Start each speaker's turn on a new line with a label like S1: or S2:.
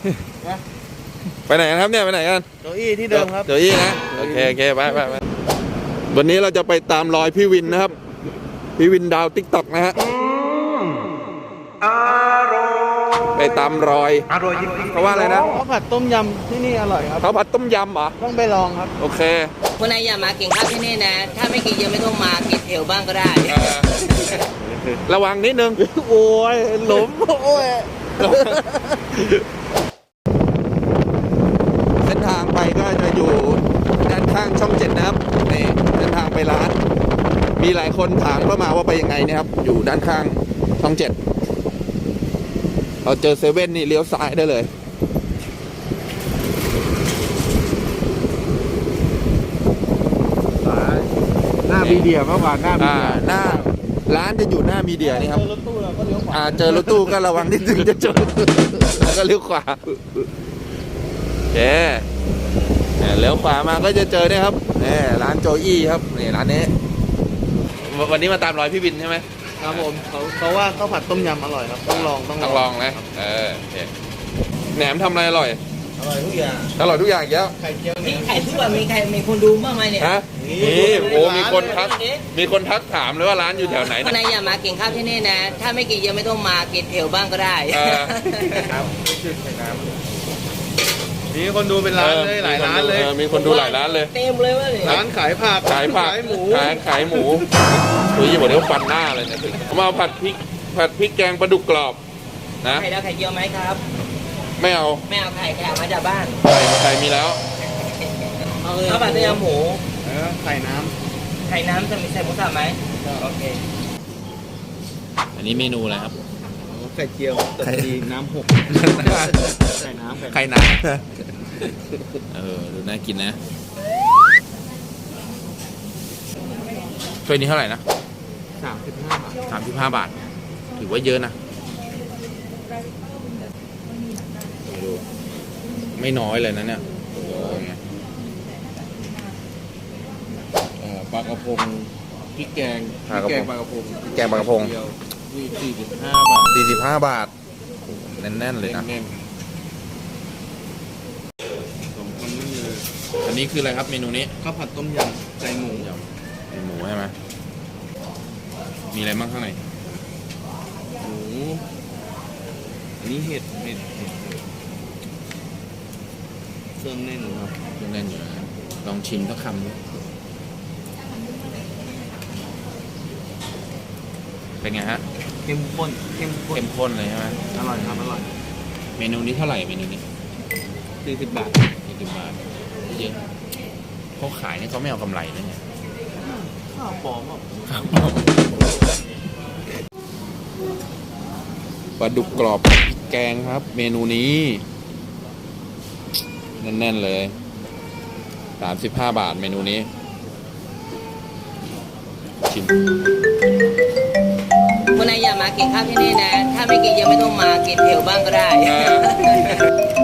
S1: ไปไหนกันครับเนี่ยไปไหนกัน
S2: โจอี้ที่เดิมครับ
S1: โจอี้นะโอเคไปวันนี้เราจะไปตามรอยพี่วินนะครับพี่วินดาวติ๊กต็อกนะฮะไปตามรอยเพราะว่าอะไรนะ
S2: ข้าวผัดต้มยำที่นี่อร่อยครับ
S1: ข้าวผัดต้มยำเหรอ
S2: ต้องไปลองครับ
S1: โอเค
S3: คนไหนอยากมากินข้าวที่นี่นะถ้าไม่กินเยอะไม่ต้องมากินเอวบ้างก็ได้
S1: ระวังนิดนึง
S2: โอ้ยหลุมโอ้ย
S1: เส้นทางไปก็จะอยู่ด้านข้างช่อง 7นะครับนี่เส้นทางไปร้านมีหลายคนถามเข้ามาว่าไปยังไงนะครับอยู่ด้านข้างช่อง 7เราเจอเซเว่นนี่เลี้ยวซ้ายได้เลย
S2: หน้ามีเดียมากกว่าหน้ามีเดีย
S1: หน้าร้านจะอยู่หน้ามีเดียนี่ครับ
S2: เจอรถตู้เราก็เลี้ยวขวา
S1: เจอรถตู้ก็ระวังนิดนึงจะชนแล้วก็เลี้ยวขวาเลี้ยวขวามาก็จะเจอเนี่ยครับนี่ร้านโจอี้ครับนี่ร้านนี้วันนี้มาตามรอยพี่วินใช่ไหม
S2: ครับผมเขาว่าข้าวผัดต้มยำอร่อยครับต้องลอง
S1: นะแหนมทำอะไรอร่อย
S2: ทุกอย่าง
S1: อร่อยทุกอย่างแล้ว
S2: ไข่เจียว
S3: ไข่ทุกวันมีคนดูบ้างไหมเนี่ย
S1: ฮะนี่โอ้มีคนทักถามเลยว่าร้านอยู่แถวไหน
S3: คนไหนอยากมากินข้าวที่นี่นะถ้าไม่กินเยอะไม่ต้องมากินเอวบ้างก็ได้
S1: ครับ
S2: มีคนดูเป็นร้านเลยหลายร้านเลย
S1: มีคนดูหลายร้านเลย
S3: เต็มเลยว่า
S2: ร้านขายผัก
S1: ขายหมูคุยบอกเดี๋ยวฟันหน้าเลยเนี่ยผมเอาผัดพริกแกงปลาดุกกรอบนะ
S3: ไข่แล้วไข่เจียวไหมครับ
S1: ไม่เอา
S3: ไข่เอามาจากบ้าน
S1: ไข่มีแล้ว
S3: ข้าวผัดต้มยำหมู
S2: ไข่น้
S3: ำจะมีใส่หมูสับไหมโอเค
S1: อันนี้เมนูอะไรครับ
S2: ไข่เจียวแต่ดีน้ำหก
S1: ไข่น้ำดูน่ากินนะถ้วยนี้เท่าไหร่นะ35 บาทถือว่าเยอะนะดูไม่น้อยเลยนะเนี่ย
S2: ปลากระพงพริกแกงปลากระพง
S1: แกงปลากระพง45 บาทแน่นๆเลยนะอันนี้คืออะไรครับเมนูนี้
S2: ข้าวผัดต้มยำใจหมู
S1: ใช่ไหมมีอะไรบ้างข้างใน
S2: หมูอันนี้เห็ดเครื่องแน่นครับ
S1: เครื่องแน่นอยู่นะลองชิมสักคำดูเป็นไงฮะ
S2: เข้มข้น
S1: เลยใช่ไหม
S2: อร่อยครับอร่อย
S1: เมนูนี้เท่าไหร่เมนูนี้
S2: 40 บาท
S1: เยอะเขาขายนี่เขาไม่เอากำไรนะเนี่ย
S2: ข้าวปลอม
S1: ปลาดุกกรอบแกงครับเมนูนี้แน่นๆเลย35 บาทเมนูนี้ชิม
S3: คนไหนอยากมากินข้าวที่นี่นะถ้าไม่กินเยอะไม่ต้องมากินเอวบ้างก็ได้